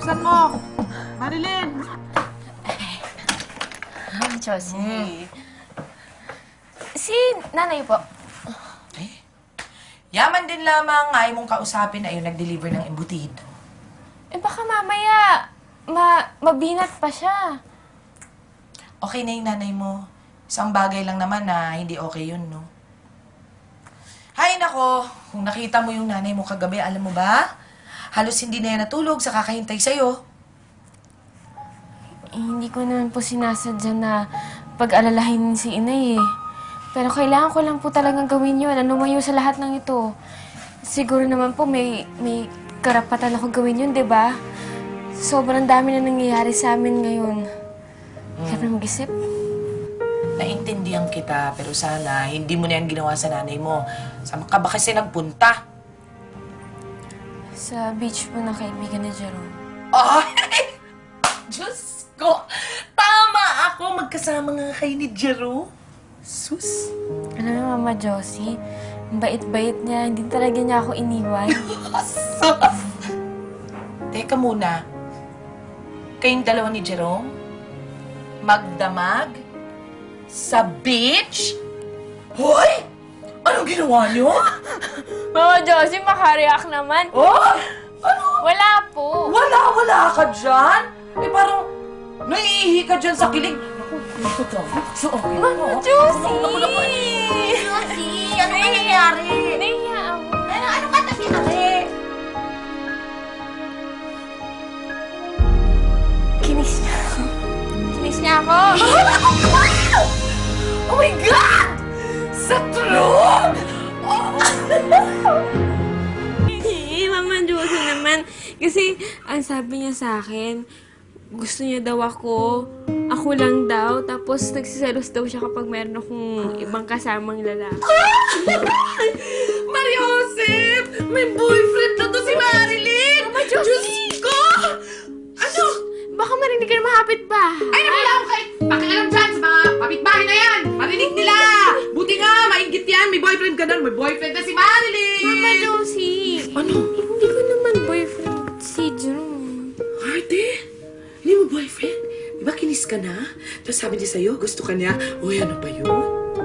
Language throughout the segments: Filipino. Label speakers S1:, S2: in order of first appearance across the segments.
S1: bilisan mo. Marilyn!
S2: Josie. Si nanay po.
S3: Yaman din lamang ayaw mong kausapin na yung nag-deliver ng embutido.
S2: Baka mamaya, mabinat pa siya.
S3: Okay na yung nanay mo. Isang bagay lang naman na hindi okay yun, no? Hay nako, kung nakita mo yung nanay mo kagabi, alam mo ba? Halos hindi na yan natulog sa kakahintay sa'yo.
S2: Hindi ko naman po sinasadya na pag-alalahin si inay eh. Pero kailangan ko lang po talagang gawin yun. Lumayo sa lahat ng ito. Siguro naman po may karapatan ako gawin yun, di ba? Sobrang dami na nangyayari sa amin ngayon. Kaya pa mag-isip.
S3: Naintindihan kita, pero sana hindi mo na yan ginawa sa nanay mo. Saan ka ba kasi nagpunta?
S2: Sa beach po ng kaibigan ni Jerome.
S3: Ay! Diyos ko! Tama ako! Magkasama nga kayo ni Jerome. Sus!
S2: Alam mo, Mama Josie, ang bait-bait niya. Hindi talaga niya ako iniwan.
S3: Sus! Teka muna. Kayong dalawa ni Jerome? Magdamag? Sa beach? Hoy! Anong ginawa niyo?
S2: Mama Josie, makareact naman.
S3: Oh! Ano?
S2: Wala po.
S3: Wala ka dyan? Eh parang naiihi ka dyan sa kilig. Naku, dito dyan.
S2: Mama Josie!
S4: Josie, ano ba nangyayari?
S2: Nahiya ako.
S4: Ano ka tabi-tabi?
S2: Kinis niya ako. Kinis niya ako.
S3: Oh my God! Sa true?
S2: Mama Josie naman. Kasi, ang sabi niya sa akin, gusto niya daw ako lang daw, tapos nagsiselos daw siya kapag meron akong ibang kasamang lalaki.
S3: Mariosep! May boyfriend na to si Marilyn!
S2: Mama Josie!
S3: Diyos ko! Ano?
S2: Baka marinig ka na mahapit ba?
S1: Ay, wala akong kahit pakialam dyan sa mga kapitbahay na yan. Marinig nila. Buti nga, mainggit yan. May boyfriend ka nun. May boyfriend na si Marilyn.
S2: Mama Josie!
S3: Ano?
S2: Hindi ko naman boyfriend si Jerome.
S1: Arte, hindi mo boyfriend? Di ba kinis ka na? Tapos sabi niya sa'yo, gusto ka niya. Uy, ano ba yun?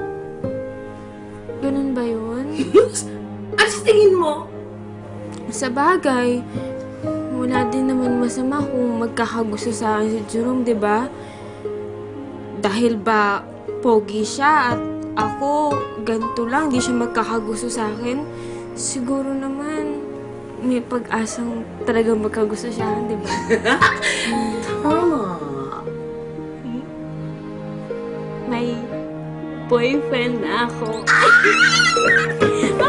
S2: Ganun ba yun?
S1: Ano sa tingin mo?
S2: Sa bagay, wala din naman masama kung magkakagusto sa akin si Jerome, di ba? Dahil ba pogi siya at ako ganito lang, di siya magkakagusto sa akin, siguro naman may pag-asang talagang magkagusto siya, di ba?
S1: Tama.
S2: May boyfriend na ako.